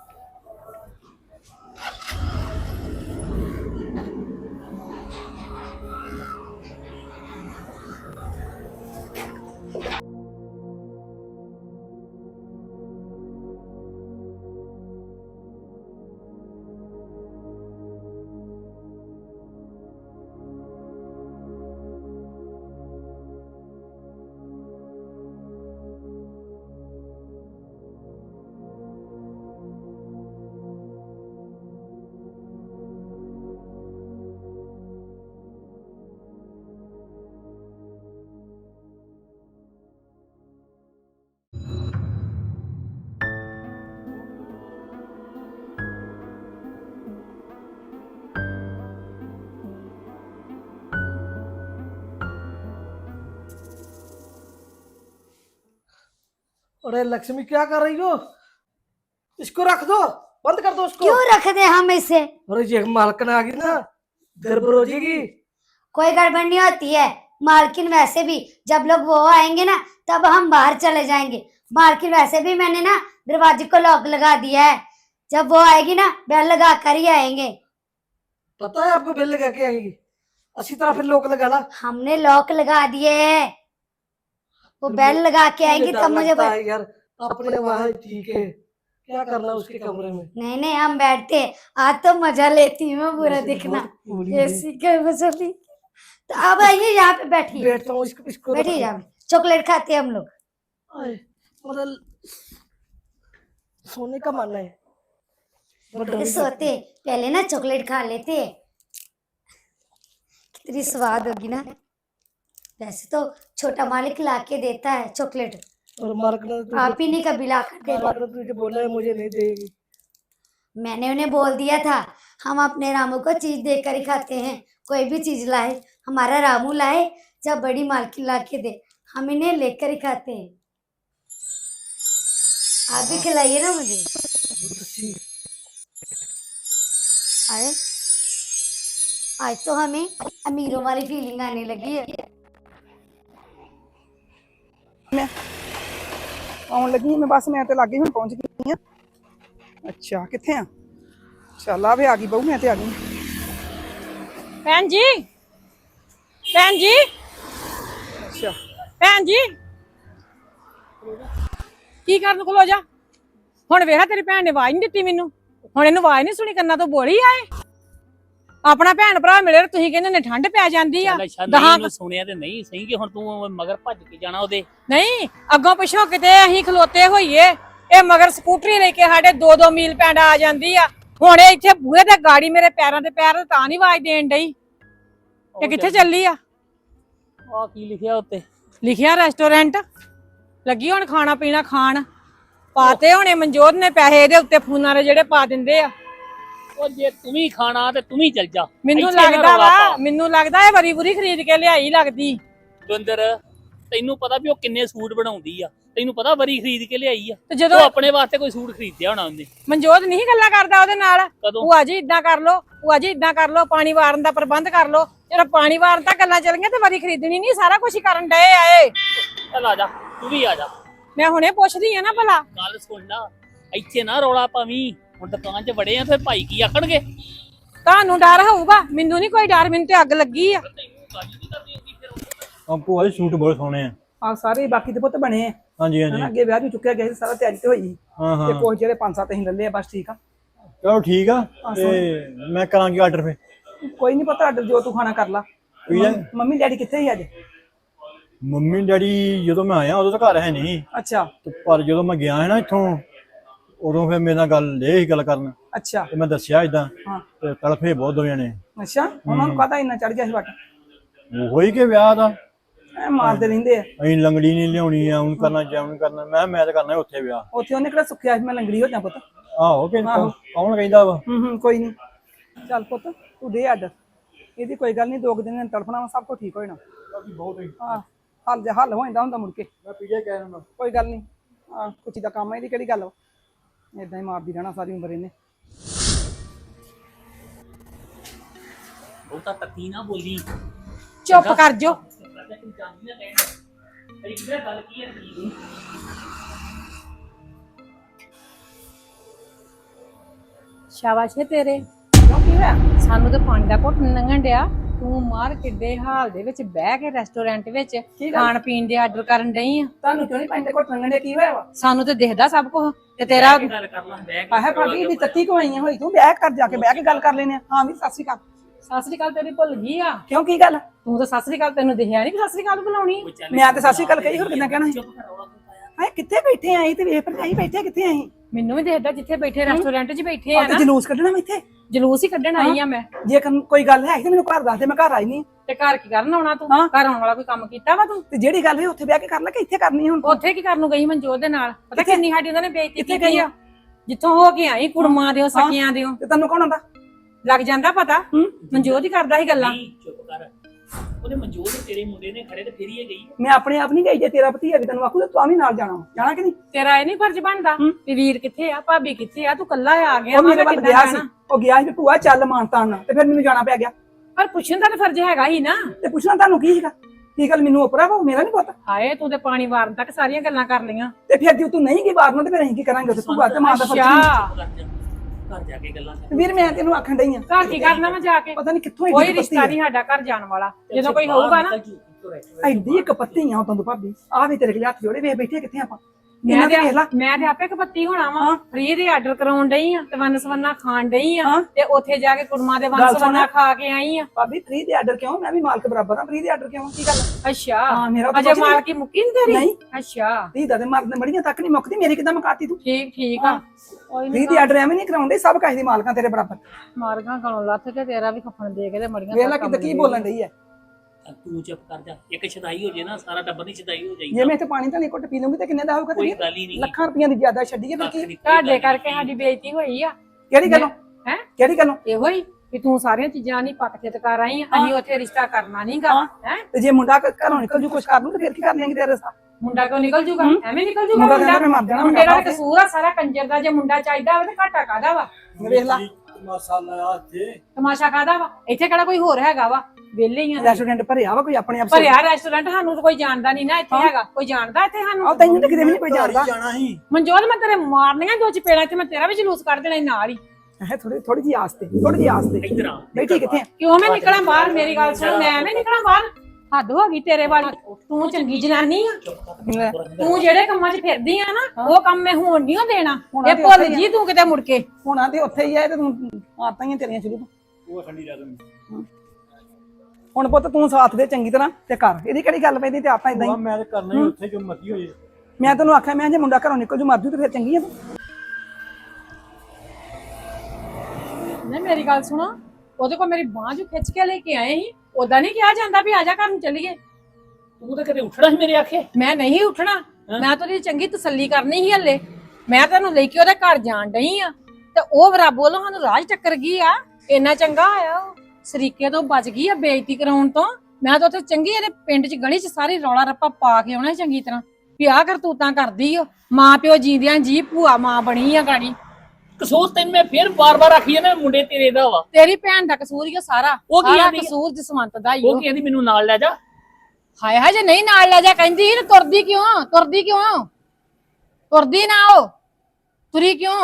Speaker 3: अरे लक्ष्मी क्या कर रही हो? इसको रख दो, बंद कर दो उसको।
Speaker 2: क्यों रख दे हम इसे?
Speaker 3: अरे ये मालकन आ गई ना, गड़बड़ हो जाएगी।
Speaker 2: कोई गड़बड़ नहीं होती है, मालकिन वैसे भी जब लोग वो आएंगे ना तब हम बाहर चले जाएंगे। मालकिन वैसे भी मैंने ना दरवाजे को लॉक लगा दिया है, जब वो आएगी ना बेल लगा कर ही आएंगे।
Speaker 3: पता है आपको बेल लगा के आएगी, अच्छी तरह फिर लोक लगा ला।
Speaker 2: हमने लॉक लगा दिए है, वो बेल लगा के आएगी तब मुझे
Speaker 3: लगता है यार अपने वहाँ ठीक है, क्या करना उसके कमरे में।
Speaker 2: नहीं नहीं हम बैठते हैं, आज तो मजा लेती हूँ मैं पूरा दिखना एसी के मजा ली। तो अब आइए यहाँ पे बैठिए,
Speaker 3: बैठता हूँ इसको इसको
Speaker 2: बैठिए यहाँ पे, चॉकलेट खाते हैं हम लोग।
Speaker 3: आए, मतलब सोने का मन है। मैं डर
Speaker 2: ये
Speaker 3: ही
Speaker 2: सोते पहले ना चॉकलेट खा लेते हैं, कितनी स्वाद होगी ना। वैसे तो छोटा मालिक ला के देता है चॉकलेट,
Speaker 3: जाता। और मार्क ने तुझे-
Speaker 2: आप ही नहीं कभी ला कर देते।
Speaker 3: मार्क ने तुझे बोला है मुझे नहीं देगी।
Speaker 2: मैंने उन्हें बोल दिया था हम अपने रामू को चीज देकर ही खाते हैं, कोई भी चीज लाए हमारा रामू लाए, जब बड़ी मालकिन ला के दे हम इन्हें लेकर ही खाते हैं। आप भी खिलाइए ना मुझे।
Speaker 3: बहुत अच्छी।
Speaker 2: आए आज तो हमें अमीरों वाली फीलिंग आने लगी है।
Speaker 6: मैं ਆਉਣ ਲੱਗੀ ਮੈਂ ਬਸ ਮੈਂ ਤੇ ਲੱਗੀ ਹੁਣ ਪਹੁੰਚ ਗਈ ਆ। ਅੱਛਾ ਕਿੱਥੇ ਆ? ਚੱਲ ਆ ਵੇ ਆ ਗਈ ਬਹੂ ਮੈਂ ਤੇ ਆ ਗਈ।
Speaker 4: ਭੈਣ ਜੀ ਭੈਣ ਜੀ
Speaker 6: ਅੱਛਾ
Speaker 4: ਭੈਣ ਜੀ ਕੀ ਕਰਨ ਖਲੋ ਜਾ। ਹੁਣ ਵੇਖਾ ਤੇਰੀ ਭੈਣ ਨੇ ਆਵਾਜ਼ ਨਹੀਂ ਦਿੱਤੀ ਮੈਨੂੰ। ਹੁਣ ਇਹਨੂੰ ਆਵਾਜ਼ ਨਹੀਂ ਸੁਣੀ ਕੰਨਾਂ ਤੋਂ ਬੋਲੀ ਆਏ। ਆਪਣਾ ਭੈਣ ਭਰਾ ਮਿਲੇ ਤੁਸੀਂ ਕਹਿੰਦੇ ਨੇ ਠੰਡ ਪੈ ਜਾਂਦੀ ਆ।
Speaker 5: ਚੱਲ ਅੱਛਾ
Speaker 4: ਦਹਾਂ
Speaker 5: ਨਹੀਂ ਸੁਣਿਆ ਤੇ ਨਹੀਂ ਸਹੀ ਕਿ ਹੁਣ ਤੂੰ ਮਗਰ ਭੱਜ ਕੇ ਜਾਣਾ ਉਹਦੇ।
Speaker 4: ਨਹੀਂ ਅੱਗੋਂ ਪਿੱਛੋਂ ਕਿਤੇ ਅਸੀਂ ਖਲੋਤੇ ਹੋਈਏ ਇਹ ਮਗਰ ਸਕੂਟਰੀ ਲੈ ਕੇ ਸਾਡੇ ਦੋ ਦੋ ਮੀਲ ਪੈਂਡ ਆ ਜਾਂਦੀ ਆ। ਹੁਣ ਇਹ ਇੱਥੇ ਬੂਹੇ ਤੇ ਗਾੜੀ ਮੇਰੇ ਪੈਰਾਂ ਤੇ ਪੈਰ ਤਾਂ ਨਹੀਂ ਆਵਾਜ਼ ਦੇਣ ਡਈ। ਇਹ ਕਿੱਥੇ ਚੱਲੀ ਆ?
Speaker 5: ਆ ਕੀ ਲਿਖਿਆ ਉੱਤੇ?
Speaker 4: ਲਿਖਿਆ ਰੈਸਟੋਰੈਂਟ। ਲੱਗੀ ਹੁਣ ਖਾਣਾ ਪੀਣਾ ਖਾਣ। ਪਾਤੇ ਹੋਣੇ ਮਨਜੋਤ ਨੇ ਪੈਸੇ ਇਹਦੇ ਉੱਤੇ ਫੋਨਾਂ ਦੇ ਜਿਹੜੇ ਪਾ ਦਿੰਦੇ ਆ।
Speaker 5: ਉਹ ਜੇ ਤੂੰ ਵੀ ਖਾਣਾ ਤੇ ਤੂੰ ਵੀ ਚੱਲ ਜਾ।
Speaker 4: ਮੈਨੂੰ
Speaker 5: ਇੱਥੇ ਨਾ
Speaker 4: ਲੱਗਦਾ
Speaker 5: ਰੌਲਾ
Speaker 4: ਵਾ
Speaker 5: ਪਾ।
Speaker 4: ਮੈਨੂੰ ਲੱਗਦਾ ਇਹ ਵਰੀ ਬੁਰੀ ਖਰੀਦ ਕੇ ਲਿਆਈ ਲੱਗਦੀ।
Speaker 5: ਜਵਿੰਦਰ ਤੈਨੂੰ ਪਤਾ ਵੀ ਉਹ ਕਿੰਨੇ ਸੂਟ ਬਣਾਉਂਦੀ ਆ। ਤੈਨੂੰ ਪਤਾ ਵਰੀ ਖਰੀਦ ਕੇ ਲਿਆਈ ਆ।
Speaker 4: ਤੇ ਜਦੋਂ
Speaker 5: ਉਹ ਆਪਣੇ ਵਾਸਤੇ ਕੋਈ ਸੂਟ ਖਰੀਦਿਆ ਹੋਣਾ ਉਹਨੇ।
Speaker 4: ਮਨਜੋਤ ਨਹੀਂ ਗੱਲਾਂ ਕਰਦਾ ਉਹਦੇ ਨਾਲ।
Speaker 5: ਕਦੋਂ?
Speaker 4: ਭੂਆ ਜੀ ਇਦਾਂ ਕਰ ਲੋ ਭੂਆ ਜੀ ਇਦਾਂ ਕਰ ਲੋ ਪਾਣੀ ਵਾਰਨ ਦਾ ਪ੍ਰਬੰਧ ਕਰ ਲੋ। ਜਿਹੜਾ ਪਾਣੀ ਵਾਰਨ ਤਾਂ ਗੱਲਾਂ ਚੱਲ ਗਈਆਂ ਤੇ ਵਰੀ ਖਰੀਦਣੀ ਨਹੀਂ ਸਾਰਾ ਕੁਝ ਹੀ ਕਰਨ ਡਏ ਆਏ।
Speaker 5: ਚੱਲ ਆ ਜਾ ਤੂੰ ਵੀ ਆ ਜਾ।
Speaker 4: ਮੈਂ ਹੁਣੇ ਪੁੱਛਦੀ ਆ ਨਾ ਭਲਾ।
Speaker 5: ਗੱਲ ਸੁਣ ਲਾ ਇੱਥੇ ਨਾ ਰੌਲਾ ਪਾਵੀਂ। ਹੁਣ ਦੁਕਾਨ 'ਚ ਵੜੇ ਆ ਫਿਰ ਭਾਈ ਕੀ ਆਖਣਗੇ?
Speaker 4: ਤੁਹਾਨੂੰ ਡਰ ਹੋਊਗਾ ਮੈਨੂੰ ਨਹੀਂ ਕੋਈ ਡਰ। ਮੈਨੂੰ ਤੇ ਅੱਗ ਲੱਗੀ ਆ।
Speaker 5: ਤੈਨੂੰ ਗੱਲ ਨਹੀਂ ਕਰਨੀ ਹੁੰਦੀ ਫਿਰ।
Speaker 1: ਆ ਭੂਆ ਜੀ ਸੂਟ ਬਹੁਤ ਸੋਹਣੇ ਆ।
Speaker 6: ਆ ਸਾਰੇ ਬਾਕੀ ਦੇ ਪੁੱਤ ਬਣੇ ਆ।
Speaker 1: ਹਾਂਜੀ
Speaker 6: ਹਨਾ
Speaker 1: ਹਾਂਜੀ
Speaker 6: ਅੱਗੇ ਵਿਆਹ ਵੀ ਚੁੱਕਿਆ ਗਿਆ ਸੀ ਸਾਰਾ ਤਿਆਰੀ ਤੇ ਹੋਈ।
Speaker 1: ਹਾਂ
Speaker 6: ਤੇ
Speaker 1: ਹਾਂ
Speaker 6: ਕੁਝ ਜਿਹੜੇ ਪੰਜ ਸੱਤ ਅਸੀਂ ਲੱਲੇ ਆ ਬਸ ਠੀਕ ਆ।
Speaker 1: ਚਲੋ ਠੀਕ ਆ ਤੇ ਮੈਂ ਕਰਾਂਗੀ ਆਰਡਰ ਫੇ।
Speaker 6: ਕੋਈ ਨਹੀਂ ਪਤਾ ਆਰਡਰ ਜੋ ਤੂੰ ਖਾਣਾ ਕਰ ਲਾ।
Speaker 1: ਠੀਕ ਹੈ।
Speaker 6: ਮੰਮੀ ਡੈਡੀ ਕਿੱਥੇ ਸੀ ਅੱਜ?
Speaker 1: ਮੰਮੀ ਡੈਡੀ ਜਦੋਂ ਮੈਂ ਆਇਆ ਉਦੋਂ ਤਾਂ ਘਰ ਹੈ ਨਹੀਂ।
Speaker 6: ਅੱਛਾ
Speaker 1: ਤੇ ਪਰ ਜਦੋਂ ਮੈਂ ਗਿਆ ਹੈ ਨਾ ਇੱਥੋਂ ਉਦੋਂ ਫਿਰ ਮੇਰੇ ਨਾਲ ਗੱਲ ਇਹ ਗੱਲ ਕਰਨ
Speaker 6: ਅੱਛਾ
Speaker 1: ਤੇ ਮੈਂ ਦੱਸਿਆ ਇਦਾਂ
Speaker 6: ਹਾਂ
Speaker 1: ਤੇ ਤੜਫੇ ਬਹੁਤ ਦੋਵੇਂ ਨੇ।
Speaker 6: ਅੱਛਾ ਉਹਨਾਂ ਨੂੰ ਪਤਾ ਇੰਨਾ ਚੜ ਗਿਆ ਸੀ ਵੱਟ।
Speaker 1: ਉਹ ਹੀ ਕਿ ਵਿਆਹ ਦਾ
Speaker 6: ਐ ਮਾਰਦੇ ਰਹਿੰਦੇ ਆ।
Speaker 1: ਅਸੀਂ ਲੰਗੜੀ ਨਹੀਂ ਲਿਆਉਣੀ ਆ ਉਹਨੂੰ ਕਰਨਾ ਜਾਉਣ ਕਰਨਾ। ਮੈਂ ਮੈਂ ਤਾਂ ਕਰਨਾ ਉੱਥੇ ਵਿਆਹ।
Speaker 6: ਉੱਥੇ ਉਹਨੇ ਕਿਹੜਾ ਸੁੱਖਿਆ ਸੀ ਮੈਂ ਲੰਗੜੀ ਹੋ ਜਾ ਪੁੱਤ।
Speaker 1: ਆਹੋ ਕਿ ਕੌਣ ਕਹਿੰਦਾ ਵਾ?
Speaker 6: ਹੂੰ ਹੂੰ ਕੋਈ ਨਹੀਂ ਚੱਲ ਪੁੱਤ ਤੂੰ ਦੇ ਆਰਡਰ। ਇਹਦੀ ਕੋਈ ਗੱਲ ਨਹੀਂ ਦੋ ਕੁ ਦਿਨ ਤੜਫਣਾ ਵਾ ਸਭ ਕੁਝ ਠੀਕ ਹੋ ਜਾਣਾ।
Speaker 1: ਬਹੁਤ
Speaker 6: ਹਾਂ ਹੱਲ ਜੇ ਹੱਲ ਹੋ ਜਾਂਦਾ ਹੁੰਦਾ ਮੁੜ ਕੇ।
Speaker 1: ਮੈਂ ਪੀਜੇ ਕਹਿ ਰਿਹਾ
Speaker 6: ਕੋਈ ਗੱਲ ਨਹੀਂ ਹਾਂ ਕੁਛ ਦਾ ਕੰਮ ਹੈ ਇਹਦੀ ਕਿਹੜੀ ਗੱਲ ਵਾ। ਏਦਾਂ ਹੀ ਮਾਰਦੀ ਰਹਿਣਾ ਸਾਰੀ ਉਮਰ ਇਹਨੇ।
Speaker 5: ਬਹੁਤਾ ਤੱਤੀ ਨਾ ਬੋਲੀ।
Speaker 4: ਚੁੱਪ ਕਰ ਜੋ।
Speaker 5: ਤੂੰ ਜਾਣਦੀ ਨਾ ਕਹਿਣਾ ਤੇਰੀ ਕਿਹੜਾ ਗੱਲ ਕੀ ਹੈ ਕੀ?
Speaker 4: ਸ਼ਾਬਾਸ਼ ਏ ਤੇਰੇ।
Speaker 6: ਕਿਉਂ ਕੀ ਹੋਇਆ?
Speaker 4: ਸਾਨੂੰ ਤਾਂ ਪਾਣੀ ਦਾ ਘੁੱਟ ਲੰਘਣ ਡਿਆ। ਤੂੰ ਮਾਰ ਕਿੱਡੇ ਹਾਲ ਦੇ ਵਿੱਚ ਬਹਿ ਕੇ ਰੈਸਟੋਰੈਂਟ ਵਿੱਚ ਖਾਣ ਪੀਣ ਦੇ ਆਰਡਰ ਕਰਨ ਡਈ ਆ।
Speaker 6: ਤੁਹਾਨੂੰ ਕਿਉਂ ਨਹੀਂ ਪੈਂਦੇ ਕੋਲ ਟੰਗਣੇ ਕੀ ਹੋਇਆ ਵਾ?
Speaker 4: ਸਾਨੂੰ ਤੇ ਦਿਖਦਾ ਸਭ ਕੁਝ ਤੇ ਤੇਰਾ
Speaker 5: ਗੱਲ ਕਰ ਲਾ ਬਹਿ ਕੇ।
Speaker 6: ਆਹੇ ਭਾਬੀ ਦੀ ਤੱਤੀ ਕਮਾਈਆਂ ਹੋਈ ਤੂੰ ਬਹਿ ਕਰ ਜਾ ਕੇ ਬਹਿ ਕੇ ਗੱਲ ਕਰ ਲੈਨੇ ਆ। ਹਾਂ ਵੀ ਸਤਿ ਸ਼੍ਰੀ ਅਕਾਲ।
Speaker 4: ਸਤਿ ਸ੍ਰੀ ਅਕਾਲ ਤੇਰੀ ਭੁੱਲ ਗਈ ਆ।
Speaker 6: ਕਿਉਂ ਕੀ ਗੱਲ?
Speaker 4: ਤੂੰ ਤਾਂ ਸਤਿ ਸ੍ਰੀ ਅਕਾਲ ਤੈਨੂੰ ਦਿਖਿਆ ਨਹੀਂ ਕਿ ਸਤਿ ਸ੍ਰੀ ਅਕਾਲ ਬੁਲਾਉਣੀ।
Speaker 6: ਮੈਂ ਤੇ ਸਤਿ ਸ਼੍ਰੀ ਅਕਾਲ ਕਹੀ ਹੋਰ ਕਿੰਨਾ ਕਹਿਣਾ ਸੀ?
Speaker 5: ਚੁੱਪ ਕਰ ਰੌਲਾ ਕਿਉਂ ਪਾਇਆ?
Speaker 6: ਹਾਏ ਕਿੱਥੇ ਬੈਠੇ ਆਈ ਤੇ ਵੇਖ ਭਰਜਾਈ ਬੈਠੇ ਕਿੱਥੇ ਆਈ?
Speaker 4: ਮੈਨੂੰ ਵੀ ਦਿਖਦਾ ਜਿੱਥੇ ਬੈਠੇ ਰੈਸਟੋਰੈਂਟ 'ਚ ਬੈਠੇ ਆ
Speaker 6: ਆ ਤੇ
Speaker 4: ਨਾ।
Speaker 6: ਜਲੂਸ ਕੱਢਣਾ ਮੈਂ ਇੱਥੇ।
Speaker 4: ਜਲੂਸ ਹੀ ਕੱਢਣ ਆਈ ਆ ਮੈਂ।
Speaker 6: ਜੇ ਕਨ- ਕੋਈ ਗੱਲ ਹੈ ਤੇ ਮੈਨੂੰ ਘਰ ਦੱਸ ਦੇ ਮੈਂ ਘਰ ਆਈ ਨਹੀਂ।
Speaker 4: ਤੇ ਘਰ ਕੀ ਕਰਨ ਆਉਣਾ ਤੂੰ?
Speaker 6: ਹਾਂ।
Speaker 4: ਘਰ ਆਉਣ ਵਾਲਾ ਕੋਈ ਕੰਮ ਕੀਤਾ ਵਾ ਤੂੰ?
Speaker 6: ਤੇ ਜਿਹੜੀ ਗੱਲ ਹੈ ਉੱਥੇ ਬਹਿ ਕੇ ਕਰ ਲੈ ਕਿ ਇੱਥੇ ਕਰਨੀ ਹੈ ਹੁਣ?
Speaker 4: ਉੱਥੇ ਕੀ ਕਰਨ ਨੂੰ ਗਈ ਮਨਜੋਤ ਦੇ ਨਾਲ? ਪਤਾ ਕਿੰਨੀ ਸਾਡੀ ਉਹਨਾਂ ਨੇ ਬੇਇੱਜ਼ਤੀ
Speaker 6: ਕਿੱਥੇ
Speaker 4: ਕੀਤੀ ਆ। ਜਿੱਥੋਂ ਹੋ ਕੇ ਆਈ ਕੁੜਮਾਂ ਦਿਓ ਸਕੀਆਂ ਦਿਓ
Speaker 6: ਤੇ ਤੈਨੂੰ ਕੌਣ ਆਂਦਾ?
Speaker 4: ਲੱਗ ਜਾਂਦਾ ਪਤਾ।
Speaker 6: ਹੂੰ
Speaker 4: ਮਨਜੋਤ ਹੀ ਕਰਦਾ ਸੀ ਗੱਲਾਂ।
Speaker 5: ਨਹੀਂ ਚੁੱਪ ਕਰ। ਉਹਨੇ ਮਨਜੋਤ ਨੇ ਤੇਰੇ ਮੁੰਡੇ ਨੇ ਖੜੇ ਤੇ ਫਿਰ ਹੀ ਇਹ ਗਈ।
Speaker 6: ਮੈਂ ਆਪਣੇ ਆਪ ਨਹੀਂ ਗਈ। ਜੇ ਤੇਰਾ ਭਤੀਆ ਵੀ ਤੈਨੂੰ ਆਖੂ ਤੇ ਤੂੰ ਵੀ ਨਾਲ ਜਾਣਾ ਵਾ। ਜਾਣਾ ਕਿ ਨਹੀਂ?
Speaker 4: ਤੇਰਾ ਇਹ ਨਹੀਂ ਫਰਜ਼ ਬਣਦਾ ਵੀ ਵੀਰ ਕਿੱਥੇ ਆ ਭਾਬੀ ਕਿੱਥੇ ਆ? ਤੂੰ ਕੱਲਾ ਆ ਗਿਆ
Speaker 6: ਉਹ
Speaker 4: ਵਾ,
Speaker 6: ਮੇਰੇ
Speaker 4: ਮੈਂ
Speaker 6: ਵੱਲ
Speaker 4: ਕਿੱਦਾਂ
Speaker 6: ਗਿਆ ਸੀ।
Speaker 4: ਜਾਣਾ?
Speaker 6: ਉਹ ਗਿਆ ਸੀ ਵੀ ਭੂਆ ਚੱਲ ਮਾਨਤਾਨ ਨਾਲ ਤੇ ਫਿਰ ਮੈਨੂੰ ਜਾਣਾ ਪੈ ਗਿਆ।
Speaker 4: ਪਰ ਪੁੱਛਣ ਦਾ ਤਾਂ ਫਰਜ਼ ਹੈਗਾ ਹੀ ਨਾ।
Speaker 6: ਤੇ ਪੁੱਛਣਾ ਤੁਹਾਨੂੰ ਕੀ ਸੀਗਾ? ਕੀ ਗੱਲ ਮੈਨੂੰ ਉਪਰਾ ਵਾ ਮੇਰਾ ਨਹੀਂ ਪਤਾ।
Speaker 4: ਹਾਏ ਤੂੰ ਤੇ ਪਾਣੀ ਵਾਰਨ ਤੱਕ ਸਾਰੀਆਂ ਗੱਲਾਂ ਕਰ ਲਈਆਂ।
Speaker 6: ਤੇ ਫਿਰ ਜੇ ਤੂੰ ਨਹੀਂ ਗਈ ਬਾਹਰ ਨੂੰ ਤੇ ਫਿਰ ਅਸੀਂ ਕੀ ਕਰਾਂਗੇ? ਉੱਥੇ ਭੂਆ ਤੇ ਮਾਂ ਦਾ ਫਰਜ਼ ਨਹੀਂ।
Speaker 4: ਅੱਛਾ
Speaker 5: ਘਰ ਜਾ ਘਰ ਜਾ ਕੇ ਗੱਲਾਂ ਕਰ।
Speaker 6: ਵੀਰ ਮੈਂ ਤੈਨੂੰ ਆਖਣ ਡਈ ਆ
Speaker 4: ਘਰ ਕੀ ਕਰਨਾ ਮੈਂ ਜਾ ਕੇ?
Speaker 6: ਪਤਾ ਨਹੀਂ ਕਿੱਥੋਂ
Speaker 4: ਕੋਈ
Speaker 6: ਐਡੀ
Speaker 4: ਰਿਸ਼ਤਾ ਨਹੀਂ ਸਾਡਾ ਘਰ ਜਾਣ ਵਾਲਾ। ਜਦੋਂ ਕੋਈ ਹੋਊਗਾ ਨਾ।
Speaker 6: ਐਡੀ ਇੱਕ ਪੱਤੀ ਆ ਉਦੋਂ ਤੋਂ ਭਾਬੀ। ਆ ਵੀ ਤੇਰੇ ਕੋਲ ਹੱਥ ਜੋੜੇ ਵੇਖ ਬੈਠੇ ਕਿੱਥੇ ਆਪਾਂ?
Speaker 4: ਮੈਂ
Speaker 6: ਇਹਨਾਂ
Speaker 4: ਤੇ
Speaker 6: ਦੇ ਵੇਖ ਲਾ।
Speaker 4: ਮੈਂ ਤੇ ਆਪੇ ਕਪੱਤੀ ਹੋਣਾ ਵਾ। ਫ੍ਰੀ ਦੇ ਆਰਡਰ ਕਰਾਉਣ ਡਈ ਆ ਤੇ ਵਨ ਸਵੰਨਾ ਖਾਣ ਡਈ ਆ
Speaker 6: ਹਾਂ।
Speaker 4: ਤੇ ਉੱਥੇ ਜਾ ਕੇ ਕੁੜਮਾ ਦੇ ਵਨ
Speaker 6: ਗੱਲ ਸੁਣ।
Speaker 4: ਸਵੰਨਾ ਖਾ ਕੇ ਆਈ ਆ।
Speaker 6: ਭਾਬੀ ਫ੍ਰੀ ਦੇ ਆਰਡਰ ਕਿਉਂ? ਮੈਂ ਵੀ ਮਾਲਕ ਬਰਾਬਰ ਆ। ਫ੍ਰੀ ਦੇ ਆਰਡਰ ਕਿਉਂ? ਕੀ ਗੱਲ?
Speaker 4: ਅੱਛਾ
Speaker 6: ਹਾਂ, ਮੇਰਾ ਤਾਂ
Speaker 4: ਅਜੇ
Speaker 6: ਕੁਛ ਨੀ।
Speaker 4: ਮਾਲਕੀ ਮੁੱਕੀ ਨੀ ਤੇਰੀ?
Speaker 6: ਨਹੀਂ।
Speaker 4: ਅੱਛਾ
Speaker 6: ਧੀ ਦਾ ਤੇ ਮਰਦ ਮੜੀਆਂ ਤੱਕ ਨਹੀਂ ਮੁੱਕਦੀ। ਮੇਰੀ ਕਿਦਾਂ ਮੁਕਾਤੀ ਤੂੰ?
Speaker 4: ਠੀਕ ਠੀਕ ਆ। ਕੋਈ
Speaker 6: ਫ੍ਰੀ
Speaker 4: ਨੀ
Speaker 6: ਦੇ ਆਰਡਰ ਐਵੇਂ ਨਹੀਂ ਕਰਾਉਂਦੇ। ਸਭ ਕਾਹੇ ਦੀ ਮਾਲਕਾਂ ਤੇਰੇ ਬਰਾਬਰ।
Speaker 4: ਮਾਰਗਾ ਗਲੋਂ ਲੱਥ ਕੇ ਤੇਰਾ ਵੀ ਖੱਫਣ ਦੇ ਕੇ ਤੇ ਮੜੀਆਂ
Speaker 6: ਵੇਖ ਲੈ ਕਿਤੇ ਕੀ ਬੋਲਣ ਡਈ ਐ।
Speaker 5: ਤੂੰ ਚੁੱਪ ਕਰ ਜਾ। ਇੱਕ ਛਦਾਈ ਹੋ ਜੇ ਨਾ ਸਾਰਾ ਟੱਬਰ ਦੀ ਛਦਾਈ ਹੋ ਜਾਈ।
Speaker 6: ਜੇ ਮੈਂ ਇੱਥੇ ਪਾਣੀ ਤਾਂ ਨਹੀਂ ਘੁੱਟ ਪੀ ਲੂੰਗੀ ਤੇ ਕਿੰਨੇ ਦਾ ਹੋਊਗਾ?
Speaker 5: ਕੋਈ
Speaker 6: ਤੇ
Speaker 5: ਗੱਲ ਹੀ ਨਹੀਂ।
Speaker 6: ਲੱਖਾਂ ਰੁਪਈਆਂ ਦੀ ਜ਼ਿਆਦਾ ਛੱਡੀਏ ਫਿਰ ਕੀ?
Speaker 4: ਤੁਹਾਡੇ ਕਰਕੇ ਸਾਡੀ ਬੇਇੱਜ਼ਤੀ ਹੋਈ ਆ।
Speaker 6: ਕਿਹੜੀ ਗੱਲੋਂ?
Speaker 4: ਹੈ
Speaker 6: ਕਿਹੜੀ ਗੱਲੋਂ?
Speaker 4: ਇਹੋ ਹੀ ਵੀ ਤੂੰ ਸਾਰੀਆਂ ਚੀਜ਼ਾਂ ਨਹੀਂ ਪੱਕ ਚਿਤ ਕਰ ਆਈ। ਅਸੀਂ ਉੱਥੇ ਰਿਸ਼ਤਾ ਕਰਨਾ ਨਹੀਂਗਾ। ਹੈ
Speaker 6: ਤੇ ਜੇ ਮੁੰਡਾ ਘ- ਘਰੋਂ ਨਿਕਲ ਜੂ ਕੁਛ ਕਰ ਲੂ ਤੇ ਫਿਰ ਕੀ ਕਰ ਲਿਆਂਗੇ ਤੇਰਾ ਰਸਤਾ?
Speaker 4: ਮੁੰਡਾ ਕਿਉਂ ਨਿਕਲ ਜੂਗਾ? ਐਵੇਂ ਨਿਕਲ ਜੂਗਾ
Speaker 6: ਮੁੰਡਾ
Speaker 4: ਮੁੰਡਾ?
Speaker 6: ਕਹਿੰਦਾ ਮੈਂ ਮਰ ਜਾਣਾ।
Speaker 4: ਮੁੰਡੇ ਦਾ ਕਸੂਰ ਆ ਸਾਰਾ ਕੰਜਰ ਦਾ। ਜੇ ਮੁੰਡਾ ਚਾਹੀਦਾ ਹੋਵੇ ਤੇ ਘਾਟਾ ਕਾਹਦਾ ਵਾ?
Speaker 6: ਵੇਖ ਲਾ
Speaker 1: ਤਮਾਸ਼ਾ ਲਾਇਆ ਇੱਥੇ।
Speaker 4: ਤਮਾਸ਼ਾ ਕਾਦਾ ਵਾ? ਇੱਥੇ ਕਿਹੜਾ ਕੋਈ ਹੋਰ ਹੈਗਾ ਵਾ? ਵਿਹਲੇ ਹੀ ਆ।
Speaker 6: ਰੈਸਟੋਰੈਂਟ ਭਰਿਆ ਵਾ ਕੋਈ ਆਪਣੇ ਆਪ
Speaker 4: ਪਰ ਯਾਰ ਰੈਸਟੋਰੈਂਟ ਸਾਨੂੰ ਤਾਂ ਕੋਈ ਜਾਣਦਾ ਨਹੀਂ ਨਾ ਇੱਥੇ ਹੈਗਾ। ਕੋਈ ਜਾਣਦਾ ਇੱਥੇ ਸਾਨੂੰ?
Speaker 6: ਆ ਤੈਨੂੰ ਤਾਂ ਕਿਤੇ ਵੀ ਨਹੀਂ ਕੋਈ
Speaker 1: ਘਰ ਹੀ
Speaker 6: ਜਾਣਦਾ।
Speaker 1: ਜਾਣਾ ਸੀ।
Speaker 4: ਮਨਜੋਤ ਮੈਂ ਤੇਰੇ ਮਾਰਨੀਆਂ ਦੋ ਚਪੇੜਾਂ ਤੇ ਮੈਂ ਤੇਰਾ ਵੀ ਜਲੂਸ ਕੱਢ ਦੇਣਾ ਸੀ ਨਾਲ ਹੀ।
Speaker 6: ਹੈ ਥੋੜੀ ਥੋੜੀ ਜੀ ਆਸਤੇ ਥੋੜੀ ਜੀ ਆਸਤੇ
Speaker 5: ਇੱਧਰ ਆ
Speaker 6: ਬੈਠੀ ਕਿੱਥੇ ਆ?
Speaker 4: ਕਿਉਂ ਮੈਂ ਨਿਕਲਾਂ ਬਾਹਰ? ਮੇਰੀ ਗੱਲ ਸੁਣ, ਮੈਂ ਐਵੇਂ ਨਿਕਲਾਂ ਬਾਹਰ? ਹੱਦ ਹੋ ਗਈ ਤੇਰੇ ਵਾਲੀ। ਤੂੰ ਚੰਗੀ ਜਨਾਨੀ ਆ। ਤੂੰ ਜਿਹੜੇ ਕੰਮਾਂ 'ਚ ਫਿਰਦੀ ਆ ਨਾ ਉਹ ਕੰਮ ਮੈਂ ਹੋਣ ਨਹੀਂ ਦੇਣਾ। ਇਹ ਭੁੱਲ ਜੀ ਤੂੰ ਕਿਤੇ ਮੁੜ ਕੇ।
Speaker 6: ਹੋਣਾ ਤੇ ਉੱਥੇ ਹੀ ਆ ਤੇ ਤੂੰ ਆਤਾਂ ਹੀ ਆ ਤੇਰੀਆਂ ਸ਼ੁਰੂ ਤੋਂ।
Speaker 1: ਉਹ ਠੰਡੀ ਰਹਿ
Speaker 6: ਹੁਣ ਪੁੱਤ ਤੂੰ ਸਾਥ ਦੇ ਚੰਗੀ ਤਰ੍ਹਾਂ ਤੇ ਕਰ। ਇਹਦੀ ਕਿਹੜੀ ਗੱਲ ਪੈਂਦੀ ਤੇ ਆਪਾਂ ਇਦਾਂ ਹੀ।
Speaker 1: ਮੈਂ ਤਾਂ ਕਰਨਾ ਹੀ ਉੱਥੇ ਜੋ ਮਰਜ਼ੀ ਹੋ ਜੇ।
Speaker 6: ਮੈਂ ਤੈਨੂੰ ਆਖਿਆ ਮੈਂ ਜੇ ਮੁੰਡਾ ਘਰੋਂ ਨਿਕਲ ਜੂ ਮਰ ਜੂ ਤੇ ਫਿਰ ਚੰਗੀ ਆ ਤੂੰ।
Speaker 4: ਨਹੀਂ ਮੇਰੀ ਗੱਲ ਸੁਣੋ, ਉਹਦੇ ਕੋਲ ਮੇਰੀ ਬਾਂਹ ਜੋ ਖਿੱਚ ਕੇ ਲੈ ਕੇ ਆਏ ਸੀ। ਉਦਾਂ ਨਹੀਂ ਕਿਹਾ ਜਾਂਦਾ ਵੀ ਆਜਾ ਘਰ ਨੂੰ ਚੱਲੀਏ।
Speaker 5: ਤੂੰ ਤਾਂ ਕਦੇ ਉੱਠਣਾ ਸੀ ਮੇਰੇ ਆਖੇ।
Speaker 4: ਮੈਂ ਨਹੀਂ ਉੱਠਣਾ। ਮੈਂ ਤਾਂ ਉਹਦੀ ਚੰਗੀ ਤਸੱਲੀ ਕਰਨੀ ਸੀ ਹੱਲੇ। ਮੈਂ ਤੈਨੂੰ ਲੈ ਕੇ ਉਹਦੇ ਘਰ ਜਾਣ ਡਈ ਆ ਤੇ ਉਹ ਰੱਬ ਵੱਲੋਂ ਸਾਨੂੰ ਰਾਜ ਟੱਕਰ ਗਈ ਆ। ਇੰਨਾ ਚੰਗਾ ਆਇਆ ਉਹ ਸਰੀਕੇ ਤੋਂ ਬਚ ਗਈ ਆ ਬੇਇੱਜ਼ਤੀ ਕਰਾਉਣ ਤੋਂ। ਮੈਂ ਤਾਂ ਉੱਥੇ ਚੰਗੀ ਇਹਦੇ ਪਿੰਡ 'ਚ ਗਲੀ 'ਚ ਸਾਰੀ ਰੌਲਾ ਰੱਪਾ ਪਾ ਕੇ ਆਉਣਾ ਚੰਗੀ ਤਰ੍ਹਾਂ ਵੀ ਆਹ ਕਰਤੂਤਾਂ ਕਰਦੀ ਓ। ਮਾਂ ਪਿਓ ਜੀਂਦਿਆਂ ਜੀ ਭੂਆ ਮਾਂ ਬਣੀ ਆ ਗਾੜੀ।
Speaker 5: ਕਸੂਰ ਤੈਨੂੰ ਮੈਂ ਫੇਰ ਬਾਰ-ਬਾਰ ਆਖੀ ਜਾਂਦਾ ਮੁੰਡੇ ਤੇਰੇ ਦਾ ਵਾ।
Speaker 4: ਤੇਰੀ ਭੈਣ ਦਾ ਕਸੂਰ ਹੀ ਆ ਸਾਰਾ।
Speaker 5: ਉਹ ਕੀ
Speaker 4: ਸਾਰਾ
Speaker 5: ਆਂਦੀ ਆ?
Speaker 4: ਕਸੂਰ ਜਸਵੰਤ ਦਾ ਹੀ
Speaker 5: ਉਹ
Speaker 4: ਓ।
Speaker 5: ਕੀ ਕਹਿੰਦੀ ਮੈਨੂੰ ਨਾਲ ਲੈ ਜਾ।
Speaker 4: ਹਾਏ ਹਾਏ ਜੇ ਨਹੀਂ ਨਾਲ ਲੈ ਜਾ ਕਹਿੰਦੀ ਸੀ, ਤੁਰਦੀ ਕਿਉਂ? ਤੁਰਦੀ ਕਿਉਂ? ਤੁਰਦੀ ਨਾ ਉਹ ਤੁਰੀ ਕਿਉਂ?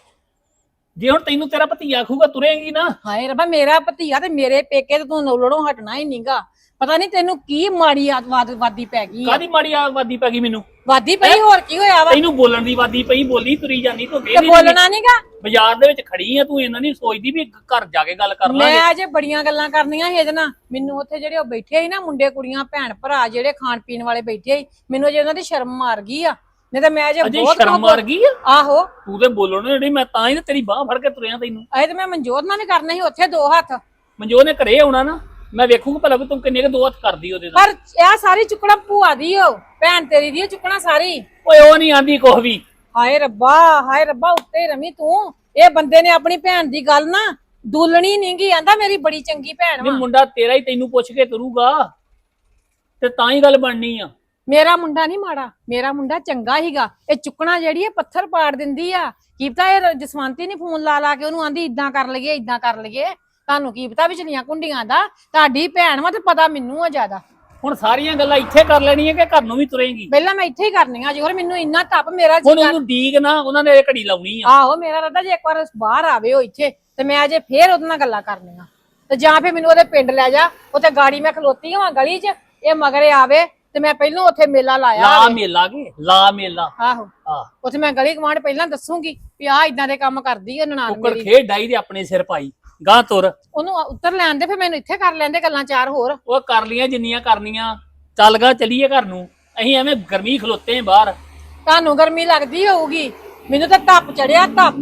Speaker 5: ਜੇ ਹੁਣ ਤੈਨੂੰ ਤੇਰਾ ਭਤੀਆ ਆਖੂਗਾ ਤੁਰੇਂਗੀ ਨਾ।
Speaker 4: ਹਾਏ ਰੱਬਾ, ਮੇਰਾ ਭਤੀਆ ਤੇ ਮੇਰੇ ਪੇਕੇ ਤੇ ਤੂੰ ਨੌਲੜੋਂ ਹਟਣਾ ਹੀ ਨਹੀਂਗਾ। ਪਤਾ ਨਹੀਂ ਤੈਨੂੰ ਕੀ ਮਾੜੀ ਆਦਤ ਵਾਦੀ ਪੈ ਗਈ ਆ।
Speaker 5: ਕਾਦੀ ਮਾੜੀ ਆਵਾਦੀ ਪੈ ਗਈ ਮੈਨੂੰ?
Speaker 4: ਵਾਦੀ ਪਈ ਹੋਰ ਕੀ ਹੋਇਆ ਵਾ?
Speaker 5: ਤੈਨੂੰ ਬੋਲਣ ਦੀ ਵਾਦੀ ਪਈ, ਬੋਲੀ ਤੁਰੀ ਜਾਂਦੀ ਤੂੰ।
Speaker 4: ਤੇ ਬੋਲਣਾ ਨਹੀਂਗਾ।
Speaker 5: ਬਾਜ਼ਾਰ ਦੇ ਵਿੱਚ ਖੜੀ ਆ ਤੂੰ, ਇਹਨਾਂ ਨਹੀਂ ਸੋਚਦੀ ਵੀ ਘਰ ਜਾ ਕੇ ਗੱਲ ਕਰ ਲਾਂਗੇ।
Speaker 4: ਮੈਂ ਅਜੇ ਬੜੀਆਂ ਗੱਲਾਂ ਕਰਨੀਆਂ ਸੀ ਇਹਦੇ ਨਾਲ। ਮੈਨੂੰ ਉੱਥੇ ਜਿਹੜੇ ਉਹ ਬੈਠੇ ਸੀ ਨਾ ਮੁੰਡੇ ਕੁੜੀਆਂ ਭੈਣ ਭਰਾ ਜਿਹੜੇ ਖਾਣ ਪੀਣ ਵਾਲੇ ਬੈਠੇ ਸੀ, ਮੈਨੂੰ ਅਜੇ ਉਹਨਾਂ ਦੀ ਸ਼ਰਮ ਮਾਰ ਗਈ ਆ। ਨਹੀਂ ਤਾਂ ਮੈਂ ਅਜੇ
Speaker 5: ਅਜੇ
Speaker 4: ਬਹੁਤ
Speaker 5: ਸ਼ਰਮ ਮਾਰ ਗਈ ਆ।
Speaker 4: ਆਹੋ
Speaker 5: ਤੂੰ ਤੇ ਬੋਲਣ ਜਿਹੜੀ ਮੈਂ ਤਾਂ ਹੀ ਤੇ ਤੇਰੀ ਬਾਹ ਫੜ ਕੇ ਤੁਰਿਆ ਤੈਨੂੰ।
Speaker 4: ਅਜੇ ਤੇ ਮੈਂ ਮਨਜੋਤ ਨਾਲ ਵੀ ਕਰਨਾ ਸੀ ਉੱਥੇ ਦੋ ਹੱਥ।
Speaker 5: ਮਨਜੋਤ ਨੇ ਘਰੇ ਆਉਣਾ ਨਾ, ਮੈਂ ਵੇਖੂਗਾ ਭਲਾ ਵੀ ਤੂੰ ਕਿੰਨੇ ਕੁ ਦੋ ਹੱਥ ਕਰਦੀ ਉਹਦੇ ਨਾਲ।
Speaker 4: ਪਰ ਇਹ ਸਾਰੀ ਚੁੱਕਣਾ ਭੂਆ ਦੀ ਓ ਭੈਣ ਤੇਰੀ ਦੀ ਓ ਚੁੱਕਣਾ ਸਾਰੀ।
Speaker 5: ਓਏ ਉਹ ਨਹੀਂ ਆਂਦੀ ਕੁਛ ਵੀ।
Speaker 4: ਹਾਏ ਰੱਬਾ ਹਾਏ ਰੱਬਾ ਉੱਤੇ ਰਮੀ ਤੂੰ। ਇਹ ਬੰਦੇ ਨੇ ਆਪਣੀ ਭੈਣ ਦੀ ਗੱਲ ਨਾ ਦੁੱਲਣੀ ਨਹੀਂਗੀ। ਆਂਦਾ ਮੇਰੀ ਬੜੀ ਚੰਗੀ ਭੈਣ
Speaker 5: ਨਹੀਂ
Speaker 4: ਵਾ।
Speaker 5: ਮੁੰਡਾ ਤੇਰਾ ਹੀ ਤੈਨੂੰ ਪੁੱਛ ਕੇ ਤੁਰੂਗਾ ਤੇ ਤਾਂ ਹੀ ਗੱਲ ਬਣਨੀ ਆ।
Speaker 4: ਮੇਰਾ ਮੁੰਡਾ ਨਹੀਂ ਮਾੜਾ, ਮੇਰਾ ਮੁੰਡਾ ਚੰਗਾ ਹੀਗਾ। ਇਹ ਚੁੱਕਣਾ ਜਿਹੜੀ ਇਹ ਪੱਥਰ ਪਾੜ ਦਿੰਦੀ ਆ। ਕੀ ਪਤਾ ਇਹ ਜਸਵੰਤੀ ਨੀ ਫੋਨ ਲਾ ਲਾ ਕੇ ਉਹਨੂੰ ਆਂਦੀ ਇਦਾਂ ਕਰ ਲਈਏ ਇਦਾਂ ਕਰ ਲਈਏ। ਤੁਹਾਨੂੰ ਕੀ ਪਤਾ ਵਿਚਲੀਆਂ ਕੁੰਡੀਆਂ ਦਾ? ਤੁਹਾਡੀ ਭੈਣ ਵਾ ਤੇ ਪਤਾ ਮੈਨੂੰ ਆ ਜ਼ਿਆਦਾ।
Speaker 5: ਹੁਣ ਸਾਰੀਆਂ ਗੱਲਾਂ ਇੱਥੇ ਕਰ ਲੈਣੀਆਂ ਕਿ ਘਰ ਨੂੰ ਵੀ ਤੁਰੇਂਗੀ?
Speaker 4: ਪਹਿਲਾਂ ਮੈਂ ਇੱਥੇ ਹੀ ਕਰਨੀਆਂ ਜੀ। ਹੋਰ ਮੈਨੂੰ ਇੰਨਾ ਤਪ ਮੇਰਾ
Speaker 5: ਹੁਣ
Speaker 4: ਜੀ।
Speaker 5: ਉਹਨੂੰ ਡੀਕ ਨਾ, ਉਹਨਾਂ ਨੇ ਇਹ ਘੜੀ ਲਾਉਣੀ ਆ।
Speaker 4: ਆਹੋ ਮੇਰਾ ਰੱਦਾ ਜੇ ਇੱਕ ਵਾਰ ਬਾਹਰ ਆਵੇ ਉਹ ਇੱਥੇ ਤੇ ਮੈਂ ਅਜੇ ਫੇਰ ਉਹਦੇ ਨਾਲ ਗੱਲਾਂ ਕਰਨੀਆਂ। ਤੇ ਜਾਂ ਫੇਰ ਮੈਨੂੰ ਉਹਦੇ ਪਿੰਡ ਲੈ ਜਾ। ਉੱਥੇ ਗਾੜੀ ਮੈਂ ਖਲੋਤੀ ਹਾਂ ਗਲੀ 'ਚ, ਇਹ ਮਗਰੇ ਆਵੇ ਤੇ ਮੈਂ ਪਹਿਲਾਂ ਉੱਥੇ ਮੇਲਾ ਲਾਇਆ
Speaker 5: ਲਾ
Speaker 4: ਹੋਵੇ।
Speaker 5: ਮੇਲਾ ਕੇ ਲਾ ਮੇਲਾ।
Speaker 4: ਆਹੋ
Speaker 5: ਆ
Speaker 4: ਉੱਥੇ ਮੈਂ ਗਲੀ ਗਵਾਂਢ ਪਹਿਲਾਂ ਦੱਸੂਗੀ ਵੀ ਆਹ ਇਦਾਂ ਦੇ ਕੰਮ ਕਰਦੀ ਆ ਨਨਾਣ
Speaker 5: ਕੁੱਕੜ
Speaker 4: ਮੇਰੀ।
Speaker 5: ਖੇਡ ਡਾਈ ਦੇ ਆਪਣੇ ਸਿਰ ਪਾਈ ਗਾਂ ਤੁਰ।
Speaker 4: ਉਹਨੂੰ ਉੱਤਰ ਲੈਣ ਦੇ, ਫਿਰ ਮੈਨੂੰ ਇੱਥੇ ਕਰ ਲੈਂਦੇ ਗੱਲਾਂ ਚਾਰ ਹੋਰ।
Speaker 5: ਉਹ ਕਰ ਲੀਆਂ ਜਿੰਨੀਆਂ ਕਰਨੀਆਂ। ਚੱਲ ਗਾ ਚਲੀਏ ਘਰ ਨੂੰ। ਅਸੀਂ ਐਵੇਂ ਗਰਮੀ ਖਲੋਤੇ ਆਂ ਬਾਹਰ।
Speaker 4: ਤੁਹਾਨੂੰ ਗਰਮੀ ਲੱਗਦੀ ਹੋਊਗੀ, ਮੈਨੂੰ ਤਾਂ ਧੱਪ ਚੜਿਆ ਧੱਪ।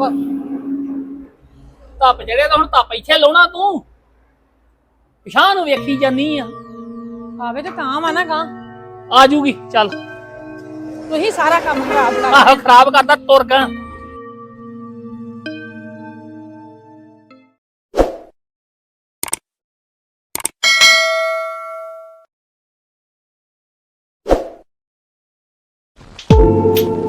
Speaker 5: ਧੱਪ ਚੜਿਆ ਤਾਂ ਹੁਣ ਧੱਪ ਇੱਥੇ ਲਾਉਣਾ ਤੂੰ। ਪਿਛਾਂ ਨੂੰ ਵੇਖੀ ਜਾਨੀ ਆ।
Speaker 4: ਆਵੇ ਤੇ ਤਾਂ ਵਾ ਨਾ ਗਾਂ।
Speaker 5: ਆ ਜੂਗੀ ਚੱਲ।
Speaker 4: ਤੁਸੀਂ ਸਾਰਾ ਕੰਮ ਖਰਾਬ ਕਰ
Speaker 5: ਆਹੋ ਖਰਾਬ ਕਰਦਾ ਤੁਰ ਗਾ।
Speaker 7: Thank you.